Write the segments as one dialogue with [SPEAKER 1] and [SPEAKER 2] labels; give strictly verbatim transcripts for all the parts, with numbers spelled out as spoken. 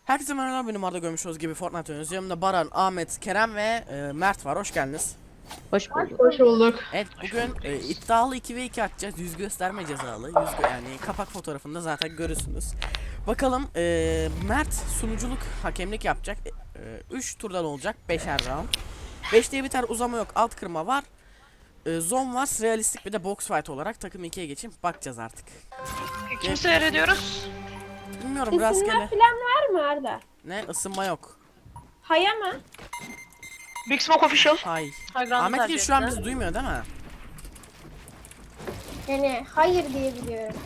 [SPEAKER 1] Herkese merhaba, benim Arda, görmüş olduğunuz gibi Fortnite oynuyoruz. Yanımda Baran, Ahmet, Kerem ve e, Mert var. Hoş geldiniz.
[SPEAKER 2] Hoş bulduk.
[SPEAKER 3] Hoş bulduk.
[SPEAKER 1] Evet, bugün e, iddialı iki ve iki atacağız. Yüz gösterme cezalı. Yüz gö- yani kapak fotoğrafında zaten görürsünüz. Bakalım, e, Mert sunuculuk, hakemlik yapacak. üç turdan olacak. beşer round. beş diye biter, uzama yok. Alt kırma var. E, zone var. Realistik bir de box fight olarak takım ikiye geçeyim. Bakacağız artık.
[SPEAKER 4] Kim seyrediyoruz?
[SPEAKER 1] Bilmiyorum,
[SPEAKER 3] İsimler
[SPEAKER 1] rastgele.
[SPEAKER 3] falan var mı Arda?
[SPEAKER 1] Ne? Isınma yok.
[SPEAKER 3] Haya mı?
[SPEAKER 4] Big Smoke Official.
[SPEAKER 1] Hay.
[SPEAKER 4] High Ground'u
[SPEAKER 1] Ahmet
[SPEAKER 4] tercih
[SPEAKER 1] Gül şu an
[SPEAKER 4] etti.
[SPEAKER 1] bizi duymuyor değil mi?
[SPEAKER 3] Yani hayır diye biliyorum.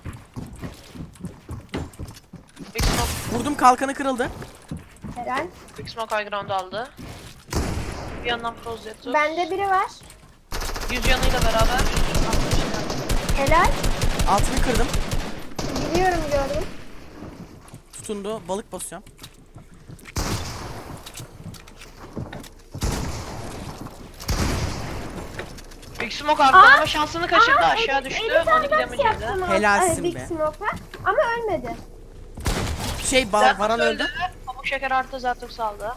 [SPEAKER 4] Big Smoke,
[SPEAKER 1] Vurdum, kalkanı kırıldı.
[SPEAKER 3] Helal.
[SPEAKER 4] Big Smoke High Ground'u aldı. Bir yandan Prozetto.
[SPEAKER 3] Bende biri var.
[SPEAKER 4] Yüz yanıyla beraber.
[SPEAKER 3] Helal.
[SPEAKER 1] Altını kırdım.
[SPEAKER 3] Biliyorum, gördüm.
[SPEAKER 1] Tutundu. Balık basıyorum.
[SPEAKER 4] Big Smoke arkalama şansını kaçırdı. Aşağı düştü.
[SPEAKER 3] elli tane
[SPEAKER 4] on iki
[SPEAKER 3] box
[SPEAKER 4] damage
[SPEAKER 3] yaptım
[SPEAKER 4] yedi.
[SPEAKER 3] Arda.
[SPEAKER 1] Helalsin
[SPEAKER 3] Ay, Big
[SPEAKER 1] be.
[SPEAKER 3] Smoke'a. Ama ölmedi.
[SPEAKER 1] Şey, ba
[SPEAKER 4] Zertus
[SPEAKER 1] Baran öldü.
[SPEAKER 4] Pamuk şeker artı Zertus aldı.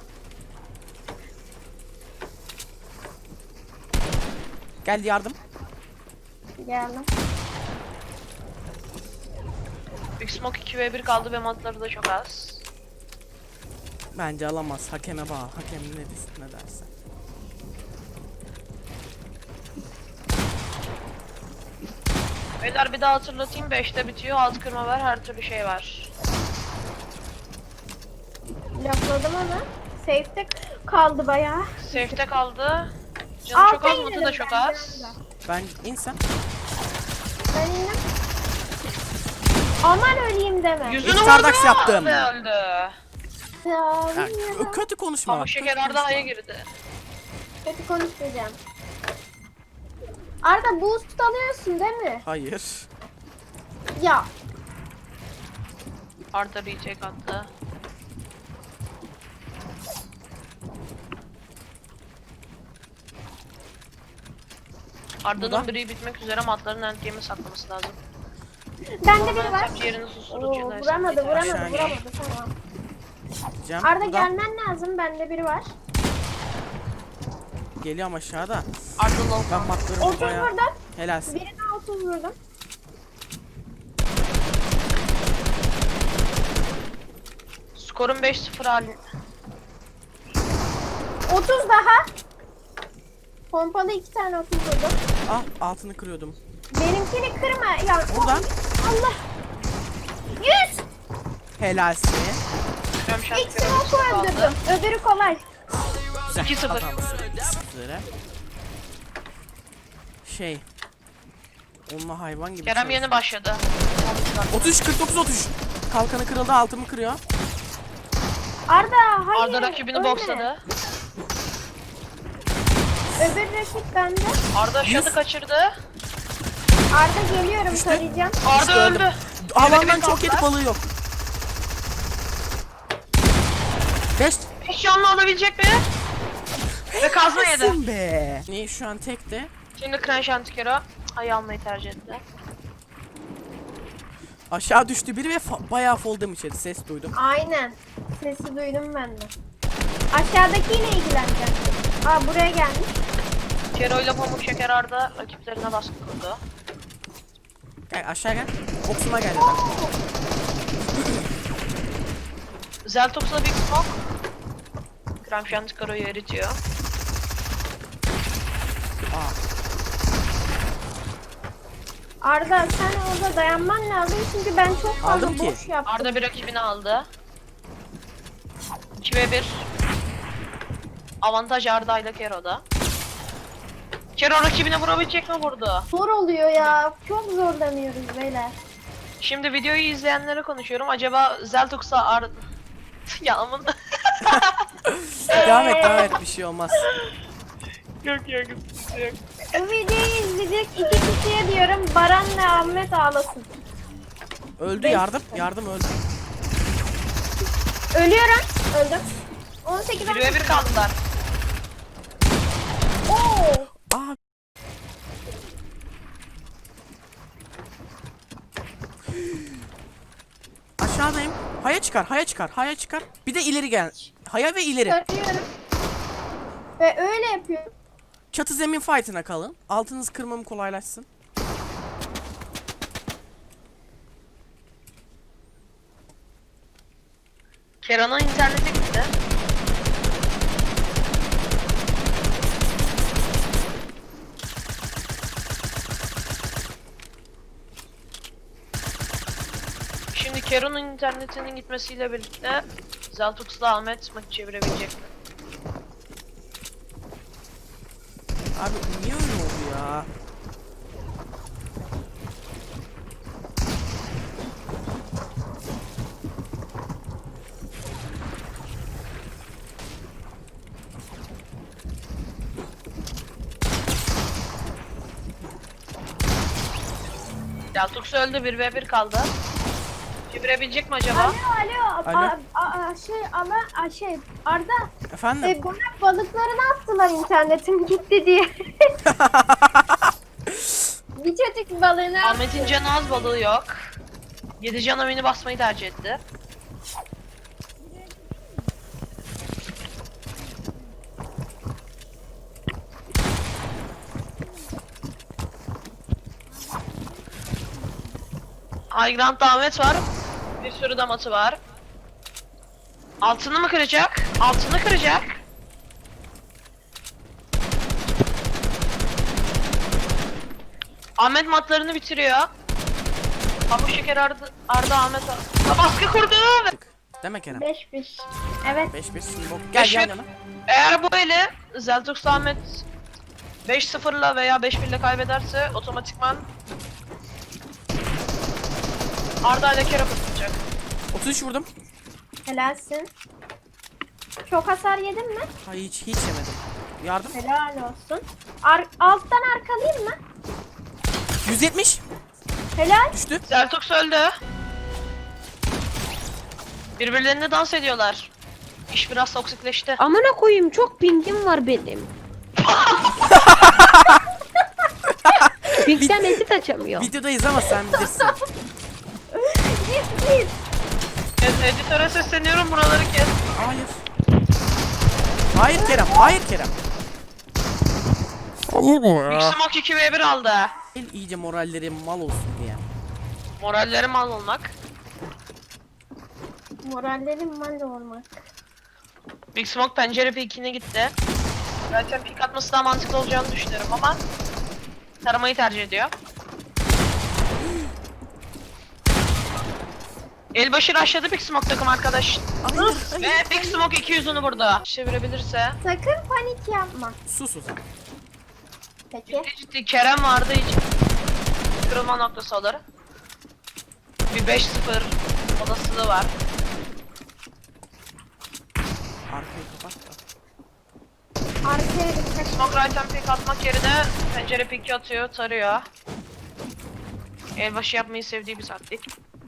[SPEAKER 1] Geldi yardım.
[SPEAKER 3] Geldim.
[SPEAKER 4] Big Smoke iki ve bir kaldı ve matları da çok az.
[SPEAKER 1] Bence alamaz. Hakeme bağlı. Hakem ne desin, ne derse.
[SPEAKER 4] Beyler bir daha hatırlatayım. beşte bitiyor. Alt kırma var. Her türlü şey var.
[SPEAKER 3] Lafladım ama. Safe'de kaldı bayağı.
[SPEAKER 4] Safe'te kaldı. Canı çok
[SPEAKER 3] Alta
[SPEAKER 4] az, matı da
[SPEAKER 3] inelim
[SPEAKER 4] çok
[SPEAKER 3] bence
[SPEAKER 4] az.
[SPEAKER 3] Arda.
[SPEAKER 1] Ben insan.
[SPEAKER 3] Ben indim. Aman öleyim deme.
[SPEAKER 4] Yüzünü
[SPEAKER 1] İlk
[SPEAKER 4] vurdu
[SPEAKER 1] Stardax yaptım.
[SPEAKER 4] ve öldü.
[SPEAKER 3] Ya,
[SPEAKER 1] Ya,
[SPEAKER 3] bilmiyorum.
[SPEAKER 1] kötü konuşma.
[SPEAKER 4] Pamuk
[SPEAKER 1] bak,
[SPEAKER 4] şeker
[SPEAKER 1] kötü
[SPEAKER 4] Arda
[SPEAKER 1] konuşma.
[SPEAKER 4] Haya girdi.
[SPEAKER 3] Kötü konuşmayacağım. Arda boost alıyorsun değil mi?
[SPEAKER 1] Hayır.
[SPEAKER 3] Ya.
[SPEAKER 4] Arda retake attı. Arda'nın
[SPEAKER 1] Burada.
[SPEAKER 4] biri bitmek üzere matların endgame'i saklaması lazım.
[SPEAKER 3] Bende biri var.
[SPEAKER 4] Hesapçı yerini
[SPEAKER 3] Oo,
[SPEAKER 4] susturucu.
[SPEAKER 3] vuramadı, vuramadı,
[SPEAKER 1] Aşağı gel.
[SPEAKER 3] vuramadı. Tamam.
[SPEAKER 1] Diyeceğim.
[SPEAKER 3] Arda
[SPEAKER 1] Burada.
[SPEAKER 3] gelmen lazım. Bende biri var.
[SPEAKER 1] Geliyorum aşağıda.
[SPEAKER 4] Arda low.
[SPEAKER 1] Ben matlarımı
[SPEAKER 3] otuz
[SPEAKER 1] bayağı.
[SPEAKER 3] vurdum.
[SPEAKER 1] Helalsin.
[SPEAKER 3] Birine otuz vurdum.
[SPEAKER 4] Skorun beş sıfır halinde.
[SPEAKER 3] otuz daha. Pompalı iki tane otuz vurdum.
[SPEAKER 1] Ah, altını kırıyordum.
[SPEAKER 3] Benimkini kırma. Ya,
[SPEAKER 1] Buradan.
[SPEAKER 3] Allah. yüz.
[SPEAKER 1] Helalsin.
[SPEAKER 3] İlk smoke'u öldürdüm. Öbürü kolay.
[SPEAKER 1] Güzel.
[SPEAKER 4] iki sıfır.
[SPEAKER 1] Adamsın. iki sıfır. Şey. Onunla hayvan gibi.
[SPEAKER 4] Kerem
[SPEAKER 1] çalışıyor.
[SPEAKER 4] yeni başladı.
[SPEAKER 1] otuz üç kırk dokuz otuz. Kalkanı kırıldı, altımı kırıyor.
[SPEAKER 3] Arda hayır.
[SPEAKER 4] Arda rakibini
[SPEAKER 3] ölme.
[SPEAKER 4] boxladı.
[SPEAKER 3] Öbür rakip bende.
[SPEAKER 4] Arda
[SPEAKER 1] Yüz.
[SPEAKER 4] şatı kaçırdı.
[SPEAKER 3] Arda geliyorum,
[SPEAKER 1] İşte.
[SPEAKER 3] tarayacağım.
[SPEAKER 4] Arda
[SPEAKER 1] öldüm.
[SPEAKER 4] öldü.
[SPEAKER 1] Alandan
[SPEAKER 4] Evet,
[SPEAKER 1] çok yedi,
[SPEAKER 4] kalktılar.
[SPEAKER 1] balığı yok. beş.
[SPEAKER 4] Hiç canlı alabilecek mi? Ve kazma yedi.
[SPEAKER 1] Helalsin be. Niye şu an tekte?
[SPEAKER 4] Şimdi Crash Antikero ayı almayı tercih etti.
[SPEAKER 1] Aşağı düştü biri ve fa- bayağı fall damage yedi. Ses duydum.
[SPEAKER 3] Aynen. Sesi duydum ben de. Aşağıdakiyle ilgileneceğim. Aa, buraya gelmiş.
[SPEAKER 4] Kero ile Pamuk Şeker Arda rakiplerine baskı kurdu.
[SPEAKER 1] Gel aşağı gel. Boksuma gel. Adam.
[SPEAKER 4] Zeltox'la Big Smoke Crash Antikero'yu eritiyor.
[SPEAKER 1] Aa.
[SPEAKER 3] Arda sen orada dayanman lazım çünkü ben çok fazla
[SPEAKER 1] Aldım ki.
[SPEAKER 3] boş yaptım.
[SPEAKER 4] Arda bir rakibini aldı. iki ve bir. Avantaj Arda ile Kero'da. Kero rakibine vurabilecek mi, vurdu?
[SPEAKER 3] Zor oluyor ya. Çok zorlanıyoruz beyler.
[SPEAKER 4] Şimdi videoyu izleyenlere konuşuyorum. Acaba Zeltox'a Arda... ya aman.
[SPEAKER 1] Devam et, devam et, bir şey olmaz.
[SPEAKER 4] Yok yok yok.
[SPEAKER 3] Bu videoyu izleyecek iki kişiye diyorum, Baran ve Ahmet ağlasın.
[SPEAKER 1] Öldü,
[SPEAKER 3] Beş.
[SPEAKER 1] yardım. Yardım öldü.
[SPEAKER 3] Ölüyorum. Öldüm. on sekiz
[SPEAKER 4] bir ve bir kaldılar.
[SPEAKER 3] Oo.
[SPEAKER 1] Aa. Aşağıdayım. Haya çıkar, haya çıkar, haya çıkar. Bir de ileri gel. Haya ve ileri.
[SPEAKER 3] Tarıyorum. Ve öyle yapıyorum.
[SPEAKER 1] Çatı zemin fight'ına kalın. Altınız kırmamı kolaylaşsın.
[SPEAKER 4] Keran'ın internete gitti. Şimdi Keron'un internetinin gitmesiyle birlikte Zeltux'la Ahmet maçı çevirebilecek mi?
[SPEAKER 1] Abi niye öyle oldu ya?
[SPEAKER 4] Zeltux öldü, bir ve bir kaldı. Çevirebilecek mi acaba?
[SPEAKER 3] Alo alo.
[SPEAKER 1] Alo.
[SPEAKER 3] A, a, a, şey ama a, şey Arda.
[SPEAKER 1] Efendim?
[SPEAKER 3] E, bana balıklarını attılar internetim gitti diye. Bir çocuk balığını
[SPEAKER 4] Ahmet'in canı az, balığı yok. yedi cana mini basmayı tercih etti. High Ground'da Ahmet var. Bir sürü de matı var. Altını mı kıracak? Altını kıracak. Ahmet matlarını bitiriyor. Pamuk şeker Arda, Arda Ahmet Arda. Baskı kurdu.
[SPEAKER 1] Deme Kerem.
[SPEAKER 3] beş bir. Evet.
[SPEAKER 1] beş bir şimdi bok. Gel
[SPEAKER 4] Beş
[SPEAKER 1] yan
[SPEAKER 4] bir.
[SPEAKER 1] yana.
[SPEAKER 4] Eğer bu eli Zeltux Ahmet beş sıfırla veya beş birle kaybederse otomatikman Arda ile Kerem atacak.
[SPEAKER 1] otuz üç vurdum.
[SPEAKER 3] Helalsin. Çok hasar yedin mi?
[SPEAKER 1] Hayır hiç hiç yemedim. Yardım.
[SPEAKER 3] Helal olsun. Ar alttan arkalayayım mı?
[SPEAKER 1] yüz yetmiş.
[SPEAKER 3] Helal.
[SPEAKER 1] Düştü.
[SPEAKER 4] Zeltux öldü. Birbirlerine dans ediyorlar. İş biraz toksikleşti.
[SPEAKER 2] Amına koyayım, çok pingim var benim. Pingden edit açamıyor.
[SPEAKER 1] Videodayız ama sen bilirsin.
[SPEAKER 3] Git git.
[SPEAKER 4] Evet, editöre sesleniyorum, buraları kes.
[SPEAKER 1] Hayır. Hayır Kerem. Hayır Kerem. Olur mu
[SPEAKER 4] Big Smoke iki ve bir aldı.
[SPEAKER 1] İyice moralleri mal olsun diye.
[SPEAKER 4] Moralleri mal olmak.
[SPEAKER 3] Morallerim mal olmak.
[SPEAKER 4] Big Smoke pencere peekine gitti. Zaten peek atması daha mantıklı olacağını düşünüyorum ama taramayı tercih ediyor. Elbaşı rushladı Big Smoke takım arkadaş.
[SPEAKER 1] Hayır, hayır,
[SPEAKER 4] Ve Big Smoke iki yüzünü burada. Çevirebilirse.
[SPEAKER 3] Sakın panik yapma.
[SPEAKER 1] Sus o zaman.
[SPEAKER 3] Peki.
[SPEAKER 4] Ciddi ciddi Kerem vardı hiç. Kırılma noktası olur. Bir beş sıfır olasılığı var.
[SPEAKER 1] Arkayı kapat da.
[SPEAKER 3] Arkaya dikkat.
[SPEAKER 4] Smoke right'tan peek atmak yerine pencere peek'i atıyor, tarıyor. Elbaşı yapmayı sevdiği bir taktik.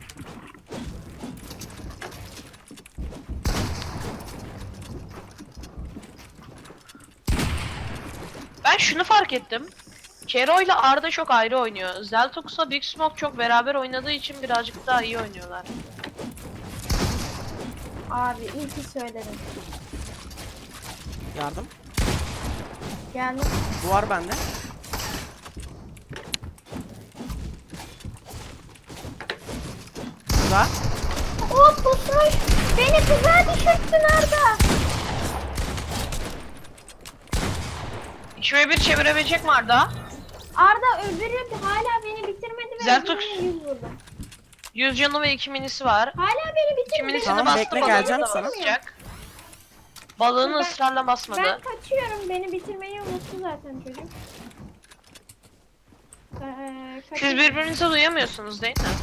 [SPEAKER 4] Ben şunu fark ettim. Kero ile Arda çok ayrı oynuyor. Zeltux'la Big Smoke çok beraber oynadığı için birazcık daha iyi oynuyorlar.
[SPEAKER 3] Abi iyi ki söyledin.
[SPEAKER 1] Yardım.
[SPEAKER 3] Geldim.
[SPEAKER 1] Duvar bende. Burada.
[SPEAKER 3] O pusmuş. Beni tuzağa düşürttün Arda.
[SPEAKER 4] iki ve bir çevirebilecek mi Arda?
[SPEAKER 3] Arda öbürü hala beni bitirmedi ve
[SPEAKER 4] Zeltux.
[SPEAKER 3] öbürüne yüz vurdu.
[SPEAKER 4] yüz canı ve iki minisi var.
[SPEAKER 3] Hala beni
[SPEAKER 4] iki
[SPEAKER 3] bitirmedi.
[SPEAKER 4] minisini
[SPEAKER 1] Tamam,
[SPEAKER 4] bastı,
[SPEAKER 1] bekle,
[SPEAKER 4] balığını
[SPEAKER 1] geleceğim
[SPEAKER 4] da
[SPEAKER 1] sana.
[SPEAKER 4] basacak. Balığını
[SPEAKER 3] Ben-
[SPEAKER 4] ısrarla basmadı.
[SPEAKER 3] Ben kaçıyorum. Beni bitirmeyi unuttu zaten çocuk. Ee,
[SPEAKER 4] Siz
[SPEAKER 3] kaçıyorum.
[SPEAKER 4] birbirinizi duyamıyorsunuz değil mi?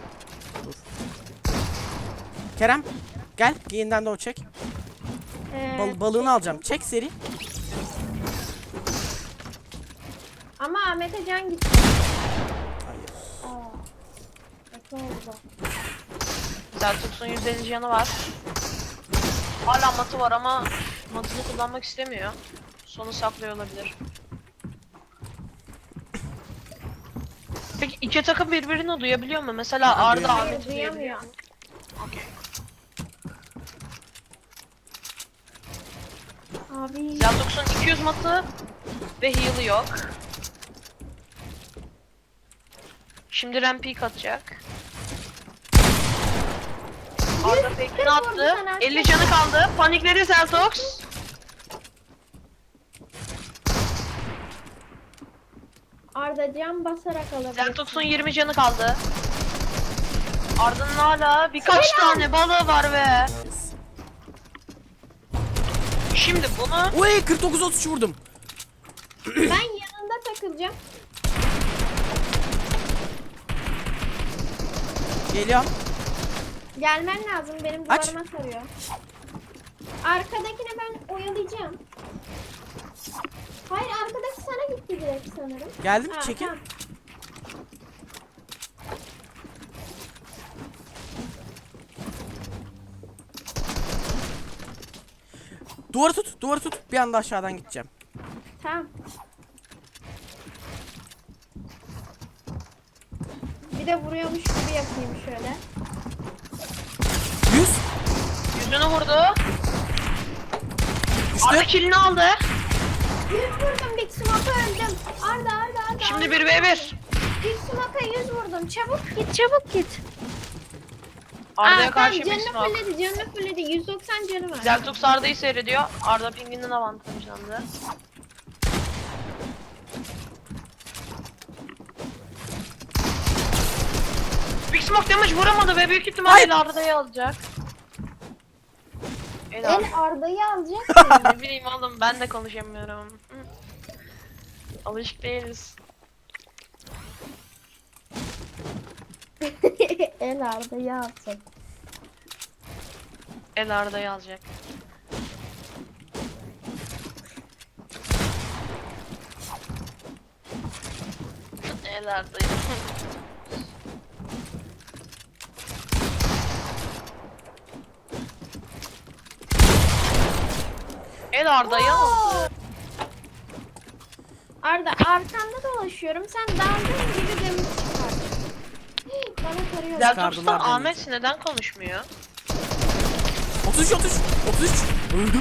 [SPEAKER 1] Kerem. Gel. Yeniden de o çek.
[SPEAKER 3] Ee,
[SPEAKER 1] Bal balığını alacağım. Çek seri.
[SPEAKER 3] Ama Ahmet'e can gitti.
[SPEAKER 1] Hayır.
[SPEAKER 3] Aa. Kötü oldu.
[SPEAKER 4] Zeltux'un yüz elli canı var. Hala matı var ama matını kullanmak istemiyor. Sonu saklıyor olabilir. Peki iki takım birbirini duyabiliyor mu? Mesela
[SPEAKER 1] Ha,
[SPEAKER 4] Arda
[SPEAKER 1] duyamıyor.
[SPEAKER 4] Ahmet'i duyabiliyor.
[SPEAKER 3] Duyamıyor.
[SPEAKER 4] Okey.
[SPEAKER 3] Abi.
[SPEAKER 4] Zeltox'un iki yüz matı ve heal'ı yok. Şimdi rampik atacak. Arda fake'ini
[SPEAKER 3] vurdu
[SPEAKER 4] attı.
[SPEAKER 3] sana.
[SPEAKER 4] elli canı kaldı. Panikledi Zeltox.
[SPEAKER 3] Arda can basarak alabilir.
[SPEAKER 4] Zeltox'un yirmi canı kaldı. Arda'nın hala birkaç tane balığı var be. Şimdi bunu
[SPEAKER 1] Uy kırk dokuz otuz üç vurdum.
[SPEAKER 3] Ben yanında takılacağım.
[SPEAKER 1] Geliyorum.
[SPEAKER 3] Gelmen lazım. Benim
[SPEAKER 1] Aç.
[SPEAKER 3] duvarıma sarıyor. Arkadakine ben oyalayacağım. Hayır arkadaki sana gitti direkt sanırım.
[SPEAKER 1] Geldim
[SPEAKER 3] Ha,
[SPEAKER 1] çekin.
[SPEAKER 3] tamam.
[SPEAKER 1] Duvarı tut, duvarı tut. Bir anda aşağıdan gideceğim.
[SPEAKER 3] Tamam. Bir de vuruyormuş gibi yapayım şöyle.
[SPEAKER 1] yüz.
[SPEAKER 4] yüzünü vurdu.
[SPEAKER 1] Düştü.
[SPEAKER 4] Arda killini aldı.
[SPEAKER 3] yüz vurdum Big Smoke'a öldüm. Arda Arda Arda.
[SPEAKER 4] Şimdi
[SPEAKER 3] Arda.
[SPEAKER 4] bir ve bir.
[SPEAKER 3] Big Smoke'a yüz vurdum. Çabuk git çabuk git.
[SPEAKER 4] Arda'ya
[SPEAKER 3] Aa,
[SPEAKER 4] karşı
[SPEAKER 3] tamam,
[SPEAKER 4] bir
[SPEAKER 3] canını
[SPEAKER 4] smoke.
[SPEAKER 3] fulledi canını fulledi. yüz doksan canı var.
[SPEAKER 4] Zeltox Arda'yı seyrediyor. Arda pinginin avantajlandı. Big Smoke damage vuramadı ve büyük ihtimalle Arda'yı alacak. El
[SPEAKER 3] El
[SPEAKER 4] Arda.
[SPEAKER 3] Arda'yı alacak.
[SPEAKER 4] Ne bileyim oğlum ben de konuşamıyorum. Hı. Alışık değiliz.
[SPEAKER 3] El Arda'yı alacak.
[SPEAKER 4] El Arda'yı alacak. El Arda'yı. El Arda'yı aldı.
[SPEAKER 3] Arda arkanda dolaşıyorum. Sen daldığın gibi demir çıkar. Bana tarıyor.
[SPEAKER 1] Çıkardılar
[SPEAKER 4] Zeltox'tan
[SPEAKER 1] beni.
[SPEAKER 4] Ahmet neden konuşmuyor?
[SPEAKER 1] otuz üç otuz üç otuz üç. Öldüm.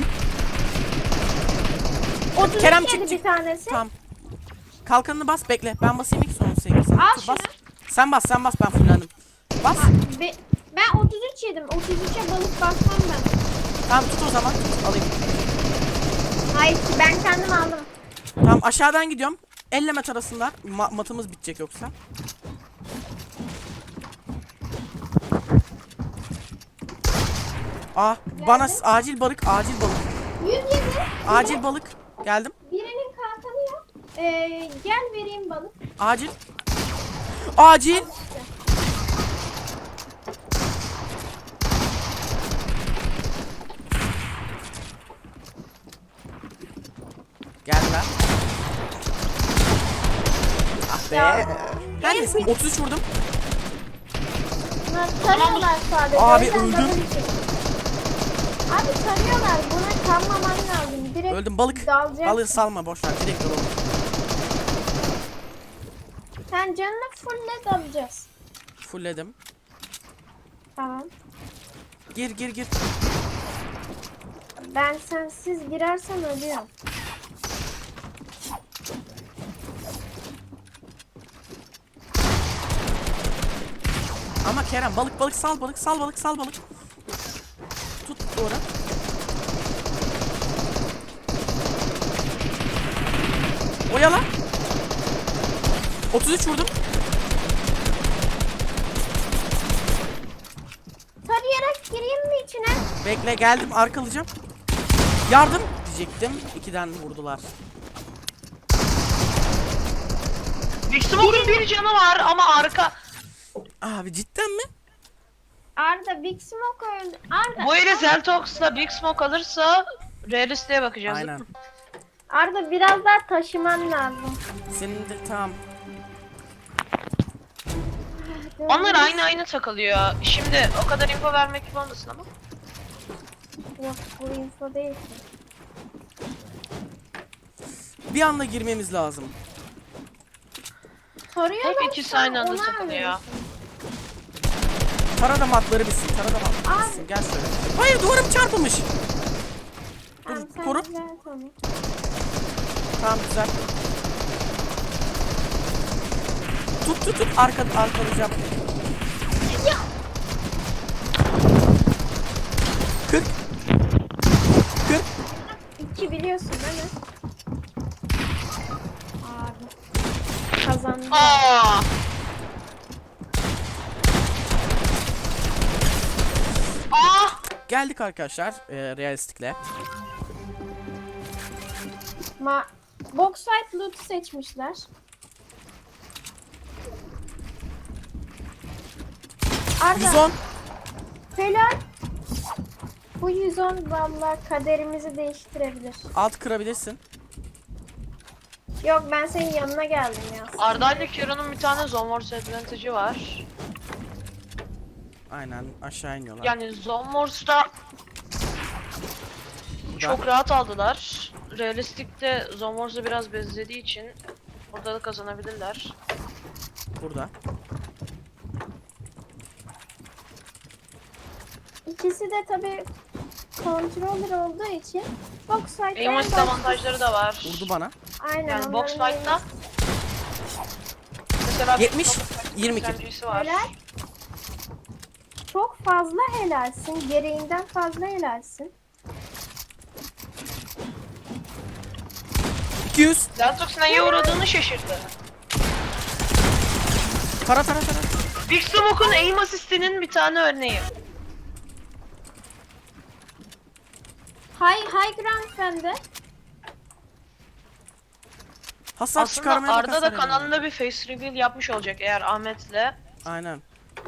[SPEAKER 3] otuz
[SPEAKER 1] Kerem
[SPEAKER 3] yedi
[SPEAKER 1] çık,
[SPEAKER 3] bir
[SPEAKER 1] çık.
[SPEAKER 3] tanesi.
[SPEAKER 1] Tamam. Kalkanını bas bekle. Ben basayım ilk son sevgili. Sen
[SPEAKER 3] Al
[SPEAKER 1] tut, bas.
[SPEAKER 3] şunu.
[SPEAKER 1] Sen bas sen bas ben fullendim. Bas.
[SPEAKER 3] Be- ben otuz üç yedim. otuz üçe balık basmam ben.
[SPEAKER 1] Tamam tut o zaman. Tut, alayım.
[SPEAKER 3] Hayır ben kendim aldım.
[SPEAKER 1] Tamam aşağıdan gidiyorum. Elle met arasınlar. Ma- matımız bitecek yoksa. Aa bana s- acil balık acil balık.
[SPEAKER 3] yüz yedi.
[SPEAKER 1] Acil balık. Geldim.
[SPEAKER 3] Birinin kalkanı yok. Ee, gel vereyim balık.
[SPEAKER 1] Acil. Acil. Geldiler. Ah be.
[SPEAKER 3] Ya.
[SPEAKER 1] Her neyse otuz üç vurdum.
[SPEAKER 3] Bunlar tarıyorlar sadece.
[SPEAKER 1] Abi,
[SPEAKER 3] O yüzden
[SPEAKER 1] öldüm.
[SPEAKER 3] double kill. Abi tarıyorlar. Buna kanmaman lazım. Direkt
[SPEAKER 1] Öldüm balık.
[SPEAKER 3] dalacaksın.
[SPEAKER 1] Balığı salma boş ver. Direkt dalalım.
[SPEAKER 3] Sen canını fulle dalacağız.
[SPEAKER 1] Fullledim.
[SPEAKER 3] Tamam.
[SPEAKER 1] Gir gir gir.
[SPEAKER 3] Ben sensiz girersem ölüyorum.
[SPEAKER 1] Ama Kerem balık balık sal balık sal balık sal balık. Tut doğru. Oyala. otuz üç vurdum.
[SPEAKER 3] Tarayarak gireyim mi içine?
[SPEAKER 1] Bekle geldim arkalayacağım. Yardım diyecektim. İkiden vurdular.
[SPEAKER 4] Big Smoke'un bir canı var ama arka.
[SPEAKER 1] Abi cidden mi?
[SPEAKER 3] Arda Big Smoke öldü. Arda,
[SPEAKER 4] Bu eli Zeltox'la Big Smoke alırsa realistiğe bakacağız.
[SPEAKER 1] Aynen.
[SPEAKER 3] Arda biraz daha taşıman lazım.
[SPEAKER 1] Senin de tamam.
[SPEAKER 4] Onlar aynı aynı takılıyor. Şimdi o kadar info vermek gibi olmasın ama.
[SPEAKER 3] Yok bu info değil ki.
[SPEAKER 1] Bir anda girmemiz lazım.
[SPEAKER 3] Soruyorlar
[SPEAKER 4] Hep ikisi aynı anda takılıyor.
[SPEAKER 1] Tara da matları bitsin. Tara da matları bitsin. Gel şöyle. Hayır duvarım çarpılmış.
[SPEAKER 3] Tamam sen
[SPEAKER 1] koru.
[SPEAKER 3] Güzel, tamam.
[SPEAKER 1] Tamam güzel. Tut tut tut arka arkalayacağım. kırk. kırk.
[SPEAKER 3] İki biliyorsun değil mi? Abi. Kazandım.
[SPEAKER 4] Aa! Aa!
[SPEAKER 1] Geldik arkadaşlar e, realistikle.
[SPEAKER 3] Ma box fight loot seçmişler. Arda.
[SPEAKER 1] yüz on.
[SPEAKER 3] Helal. Bu yüz on vallahi kaderimizi değiştirebilir.
[SPEAKER 1] Alt kırabilirsin.
[SPEAKER 3] Yok ben senin yanına geldim ya.
[SPEAKER 4] Arda ile Kiro'nun bir tane Zone Wars advantage'ı var.
[SPEAKER 1] Aynen aşağı iniyorlar.
[SPEAKER 4] Yani Zone Wars'ta çok rahat aldılar. Realistik'te Zone Wars'ı biraz bezlediği için orada da kazanabilirler.
[SPEAKER 1] Burada.
[SPEAKER 3] İkisi de tabi controller olduğu için box fight
[SPEAKER 4] Aim assist avantajları da var.
[SPEAKER 1] Vurdu bana.
[SPEAKER 3] Aynen.
[SPEAKER 4] Yani box
[SPEAKER 3] onların
[SPEAKER 4] fight'ta mesela
[SPEAKER 1] yetmiş, yirmi iki.
[SPEAKER 4] S M G'si var.
[SPEAKER 3] Helal. Çok fazla helalsin. Gereğinden fazla helalsin.
[SPEAKER 1] iki yüz.
[SPEAKER 4] Lantox neye uğradığını şaşırdı.
[SPEAKER 1] Tara tara tara.
[SPEAKER 4] Big Smoke'un aim assist'inin bir tane örneği.
[SPEAKER 3] High, high ground bende.
[SPEAKER 1] Hasar
[SPEAKER 4] Aslında
[SPEAKER 1] çıkarmaya bak
[SPEAKER 4] Arda da
[SPEAKER 1] hasar ediyor.
[SPEAKER 4] kanalında bir face reveal yapmış olacak eğer Ahmet'le
[SPEAKER 1] Aynen.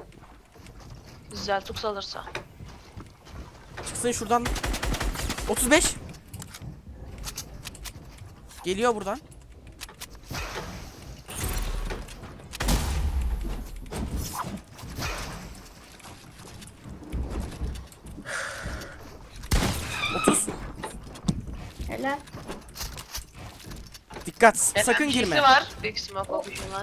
[SPEAKER 4] Zeltux alırsa.
[SPEAKER 1] Çıksın şuradan. otuz beş. Geliyor buradan. otuz.
[SPEAKER 3] Helal.
[SPEAKER 1] Dikkat.
[SPEAKER 4] Evet,
[SPEAKER 1] Sakın
[SPEAKER 4] bir şeysi
[SPEAKER 1] girme.
[SPEAKER 4] var. Big Smoke option'dan.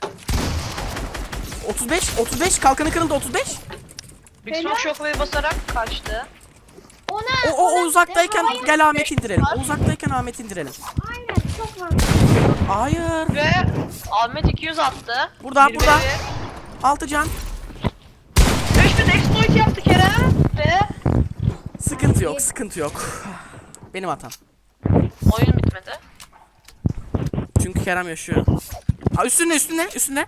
[SPEAKER 1] otuz beş. otuz beş. Kalkanı kırıldı otuz beş.
[SPEAKER 4] Big
[SPEAKER 3] Helal.
[SPEAKER 4] Smoke shockwave'e basarak kaçtı.
[SPEAKER 3] Ona,
[SPEAKER 1] O, o, o
[SPEAKER 3] ona-
[SPEAKER 1] uzaktayken
[SPEAKER 3] Hayır.
[SPEAKER 1] gel Ahmet indirelim. O uzaktayken Ahmet indirelim.
[SPEAKER 3] Aynen çok var.
[SPEAKER 1] Hayır.
[SPEAKER 4] Ve Ahmet iki yüz attı.
[SPEAKER 1] Burada,
[SPEAKER 4] Bir
[SPEAKER 1] burada.
[SPEAKER 4] ve
[SPEAKER 1] altı can.
[SPEAKER 4] beş bin exploit yaptı Kerem. Ve
[SPEAKER 1] Sıkıntı yok. Sıkıntı yok. Benim hatam.
[SPEAKER 4] oyun bitmedi.
[SPEAKER 1] Çünkü Kerem yaşıyor. Aa, üstüne üstüne üstüne.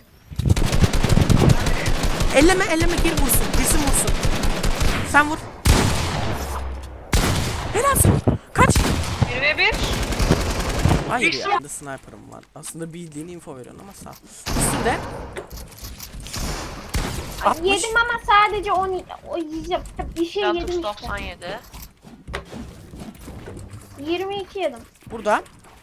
[SPEAKER 1] Elleme elleme gir vursun. Girsin vursun. Sen vur. Helalsin. Kaç.
[SPEAKER 4] bir ve bir.
[SPEAKER 1] Hayır
[SPEAKER 4] Bir
[SPEAKER 1] ya.
[SPEAKER 4] son-
[SPEAKER 1] Bende sniper'ım var. Aslında bildiğin info veriyorsun ama sağ ol. Üstünde. altmış.
[SPEAKER 3] Yedim ama sadece on o yiyeceğim. Bir şey
[SPEAKER 4] Lantox
[SPEAKER 3] yedim işte.
[SPEAKER 4] doksan yedi.
[SPEAKER 3] yirmi iki yedim.
[SPEAKER 1] Burada.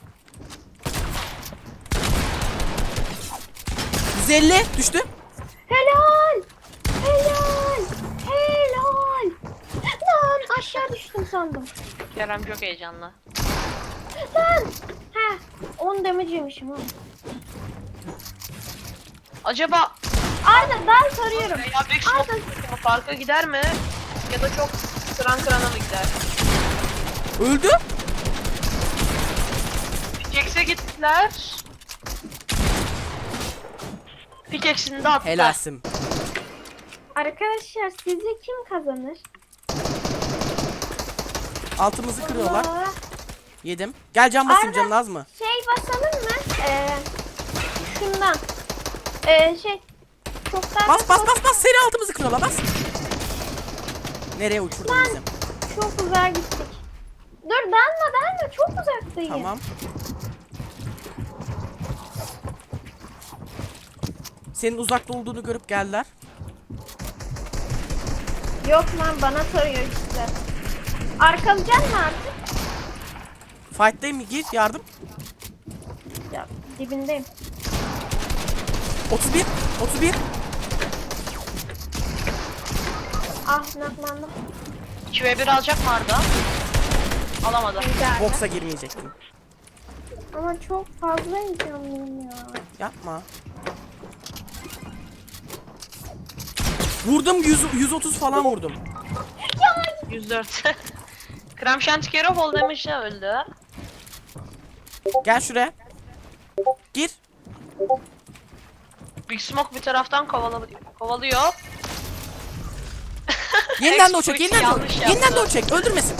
[SPEAKER 1] yüz elli düştü.
[SPEAKER 3] Helal! Helal! Helal! Lan aşağı düştüm sandım.
[SPEAKER 4] Kerem çok heyecanlı.
[SPEAKER 3] Lan! Heh, on damage yemişim ha.
[SPEAKER 4] Acaba
[SPEAKER 3] Arda ben soruyorum.
[SPEAKER 4] ya Big Smoke farka gider mi? Ya da çok kıran kırana mı gider?
[SPEAKER 1] Öldü.
[SPEAKER 4] Pickaxe'e gittiler. Pickaxe'ini de attı.
[SPEAKER 1] Helalsin.
[SPEAKER 3] Arkadaşlar sizce kim kazanır?
[SPEAKER 1] Altımızı kırıyorlar.
[SPEAKER 3] Allah.
[SPEAKER 1] Yedim. Gel can basayım,
[SPEAKER 3] Arda,
[SPEAKER 1] canın az mı?
[SPEAKER 3] Şey basalım mı? Ee, şundan. Ee, şey. Çok daha
[SPEAKER 1] Bas bas bas bas, seri altımızı kırıyorlar, bas. Nereye uçurdun
[SPEAKER 3] Lan.
[SPEAKER 1] bizim?
[SPEAKER 3] Çok uzağa gittik. Dur dalma dalma çok uzaktayım.
[SPEAKER 1] Tamam. Senin uzakta olduğunu görüp geldiler.
[SPEAKER 3] Yok lan bana soruyor işte. Arkalayacak mı artık?
[SPEAKER 1] Fight'tayım mı? Gir yardım.
[SPEAKER 3] Ya dibindeyim.
[SPEAKER 1] otuz bir. otuz bir.
[SPEAKER 3] Ah naklandım.
[SPEAKER 4] iki ve bir alacak mı Arda? Alamadı.
[SPEAKER 3] Güzel.
[SPEAKER 1] Box'a girmeyecektim.
[SPEAKER 3] Ama çok fazla heyecanlıyım ya.
[SPEAKER 1] Yapma. Vurdum yüz, yüz otuz falan vurdum.
[SPEAKER 4] yüz dört. Krem Şantikero fall damage'le öldü.
[SPEAKER 1] Gel şuraya. Gir.
[SPEAKER 4] Big Smoke bir taraftan kovala kovalıyor.
[SPEAKER 1] Yeniden de o
[SPEAKER 4] Exploit
[SPEAKER 1] çek. Yeniden de o.
[SPEAKER 4] yanlış
[SPEAKER 1] Yeniden de
[SPEAKER 4] yaptı.
[SPEAKER 1] o çek. Öldürmesin.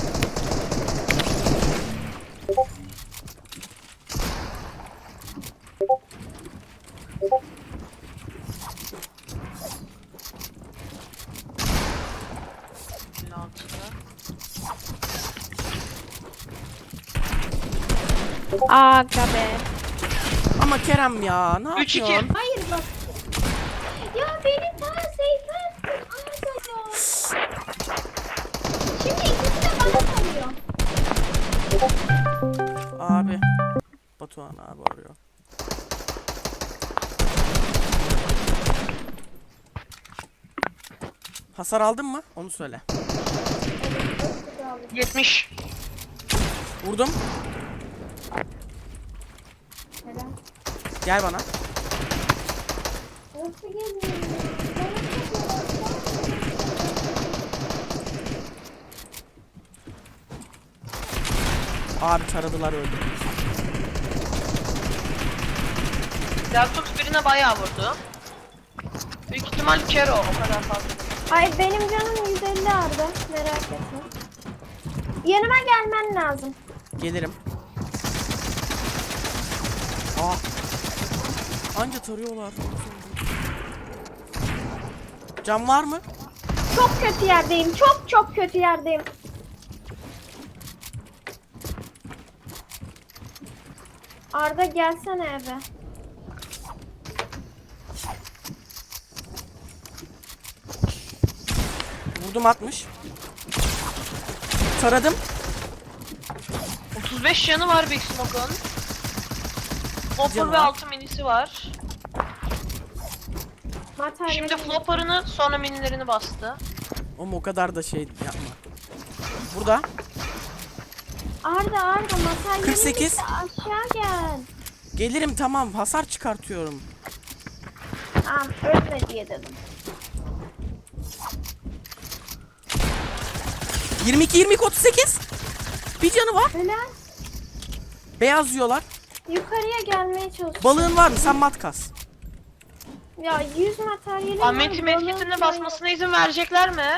[SPEAKER 2] Aga be.
[SPEAKER 1] Ama Kerem ya ne
[SPEAKER 4] Üç iki.
[SPEAKER 1] yapıyorsun?
[SPEAKER 3] Hayır bak. Ya beni ta seyfe attın. Aa, Şimdi ikisi de bana kalıyor.
[SPEAKER 1] Abi. Batuhan abi arıyor. Hasar aldın mı? Onu söyle.
[SPEAKER 4] yetmiş.
[SPEAKER 1] Vurdum.
[SPEAKER 3] Neden?
[SPEAKER 1] Gel bana.
[SPEAKER 3] Nasıl geliyor?
[SPEAKER 1] Abi taradılar öldü.
[SPEAKER 4] Deltux birine bayağı vurdu. Büyük ihtimal Kero o kadar fazla.
[SPEAKER 3] Ay benim canım yüz elli arda. Merak etme. Yanıma gelmen lazım.
[SPEAKER 1] Gelirim. Aa. Anca tarıyorlar. Cam var mı?
[SPEAKER 3] Çok kötü yerdeyim. Çok çok kötü yerdeyim. Arda gelsene eve.
[SPEAKER 1] Vurdum altmış. Taradım.
[SPEAKER 4] otuz beş canı var Big Smoke'un. Flopper
[SPEAKER 1] Canı
[SPEAKER 4] ve
[SPEAKER 1] var.
[SPEAKER 4] altı minisi var.
[SPEAKER 3] Materyal.
[SPEAKER 4] Şimdi flopper'ını sonra minilerini bastı.
[SPEAKER 1] Oğlum o kadar da şey yapma. Burada.
[SPEAKER 3] Arda Arda materyalin
[SPEAKER 1] kırk sekiz.
[SPEAKER 3] bitti, aşağı gel.
[SPEAKER 1] Gelirim tamam. Hasar çıkartıyorum.
[SPEAKER 3] Tamam ölme diye dedim.
[SPEAKER 1] yirmi iki yirmi iki otuz sekiz. Bir canı var.
[SPEAKER 3] Helal.
[SPEAKER 1] Beyaz yiyorlar.
[SPEAKER 3] Yukarıya gelmeye çalışıyorum.
[SPEAKER 1] Balığın var mı? Sen mat kas.
[SPEAKER 3] Ya yüz materyali
[SPEAKER 4] Ahmet'in medkitini basmasına izin verecekler mi?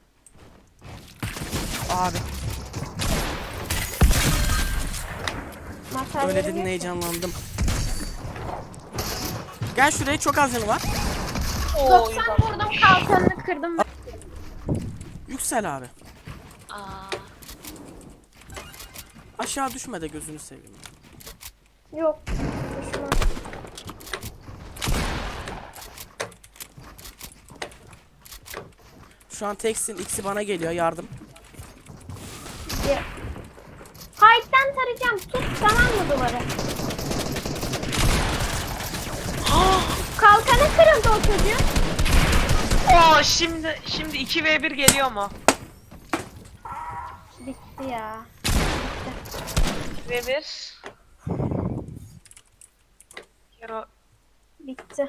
[SPEAKER 1] Abi. Öyle dedin heyecanlandım. Gel şuraya, çok az canı var.
[SPEAKER 4] Oo,
[SPEAKER 3] doksan vurdum, kalkanını kırdım.
[SPEAKER 1] Yüksel abi.
[SPEAKER 4] Aa,
[SPEAKER 1] Aşağı düşme de gözünü seveyim.
[SPEAKER 3] Yok. Düşman.
[SPEAKER 1] Şu an teksin, ikisi bana geliyor, yardım.
[SPEAKER 3] Ya. Hayt'tan tarayacağım. Tut tamam mı duvarı? Kalkanı kırıldı o çocuğun.
[SPEAKER 4] Oo, şimdi şimdi iki ve bir geliyor mu?
[SPEAKER 3] Bitti ya.
[SPEAKER 4] iki ve bir. Kero
[SPEAKER 3] Bitti.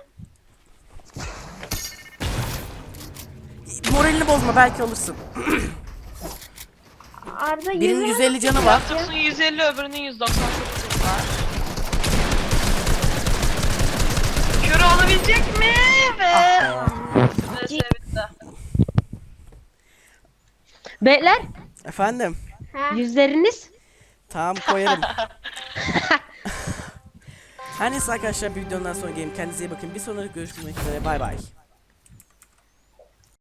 [SPEAKER 1] Moralini bozma, belki alırsın.
[SPEAKER 3] Arda
[SPEAKER 1] Birinin
[SPEAKER 3] yüz
[SPEAKER 1] yüz elli canı var.
[SPEAKER 4] Deltux'un yüz elli, öbürünün yüz doksan sekiz var. Kero olabilecek mi? Ve
[SPEAKER 1] Ah
[SPEAKER 4] Ve bitti.
[SPEAKER 2] Beyler
[SPEAKER 1] Efendim?
[SPEAKER 3] Ha.
[SPEAKER 2] yüzleriniz.
[SPEAKER 1] Tamam, koyarım. Her neyse arkadaşlar, bir videodan sonra gelin. Kendinize iyi bakın. Bir sonraki görüşmek üzere. Bay bay.